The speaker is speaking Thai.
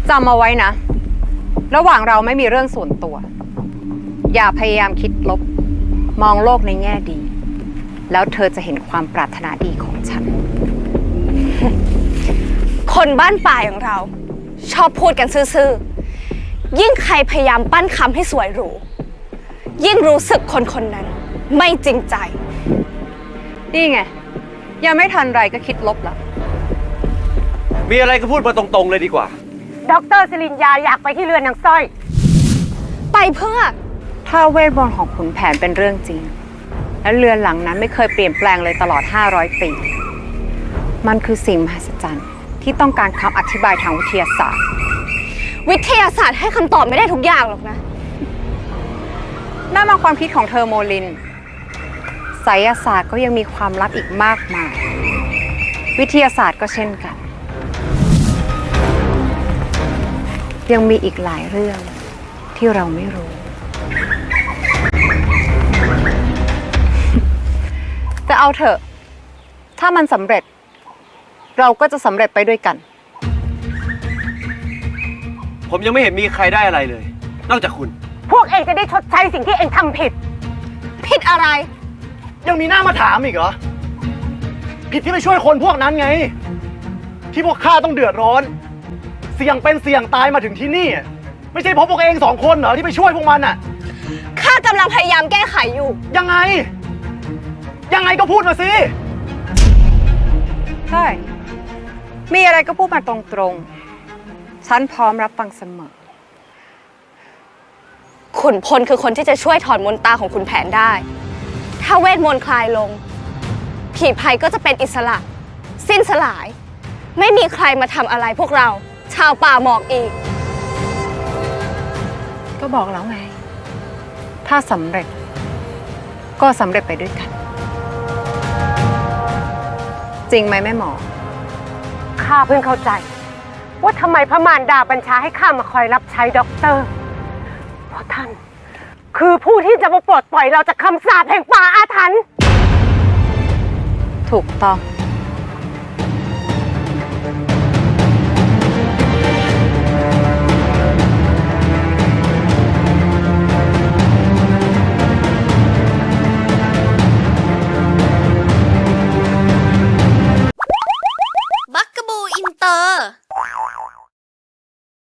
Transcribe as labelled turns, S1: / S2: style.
S1: จำเอาไว้นะระหว่างเราไม่มีเรื่องส่วนตัวอย่าพยายามคิดลบมองโลกในแง่ดีแล้วเธอจะเห็นความปรารถนาดีของฉัน
S2: คนบ้านป่าอย่างเราชอบพูดกันซื่อๆยิ่งใครพยายามปั้นคำให้สวยหรูยิ่งรู้สึกคนคนนั้นไม่จริงใจ
S1: นี่ไงยังไม่ทันไรก็คิดลบแล้ว
S3: มีอะไรก็พูดมาตรงๆเลยดีกว่า
S4: ดร.ศิรินยาอยากไปที่เรือนนางสร้อย
S2: ไปเพื่อ
S1: ถ้าเวทมนต์ของขุนแผนเป็นเรื่องจริงและเรือนหลังนั้นไม่เคยเปลี่ยนแปลงเลยตลอด500 ปีมันคือสิ่งมหัศจรรย์ที่ต้องการคำอธิบายทางวิทยาศาสตร์
S2: วิทยาศาสตร์ให้คำตอบไม่ได้ทุกอย่างหรอกนะ
S1: นั่นเป็นความคิดของเธอโมลินไสยศาสตร์ก็ยังมีความลับอีกมากมายวิทยาศาสตร์ก็เช่นกันยังมีอีกหลายเรื่องที่เราไม่รู้แต่เอาเถอะถ้ามันสำเร็จเราก็จะสำเร็จไปด้วยกัน
S3: ผมยังไม่เห็นมีใครได้อะไรเลยนอกจากคุณ
S4: พวกเองจะได้ชดใช้สิ่งที่เองทำผิด
S2: ผิดอะไร
S5: ยังมีหน้ามาถามอีกเหรอผิดที่ไปช่วยคนพวกนั้นไงที่พวกข้าต้องเดือดร้อนเสี่ยงเป็นเสี่ยงตายมาถึงที่นี่ไม่ใช่เพราะพวกเอง2 คนเหรอที่ไปช่วยพวกมันอ่ะ
S2: ข้ากำลังพยายามแก้ไขอยู่
S5: ยังไงก็พูดมาสิ
S1: ใช่มีอะไรก็พูดมาตรงๆฉันพร้อมรับฟังเสมอ
S2: ขุนพลคือคนที่จะช่วยถอนมนตาของขุนแผนได้ถ้าเวทมนต์คลายลงผีภัยก็จะเป็นอิสระสิ้นสลายไม่มีใครมาทำอะไรพวกเราชาวป่าหมอกอีก
S1: ก็บอกแล้วไงถ้าสำเร็จก็สำเร็จไปด้วยกันจริงไหมแม่หมอ
S4: ข้าเพิ่งเข้าใจว่าทำไมพระมารดาบัญชาให้ข้ามาคอยรับใช้ด็อกเตอร์เพราะท่านคือผู้ที่จะมาปลดปล่อยเราจากคำสาปแห่งป่าอาถรรพ์
S1: ถูกต้อง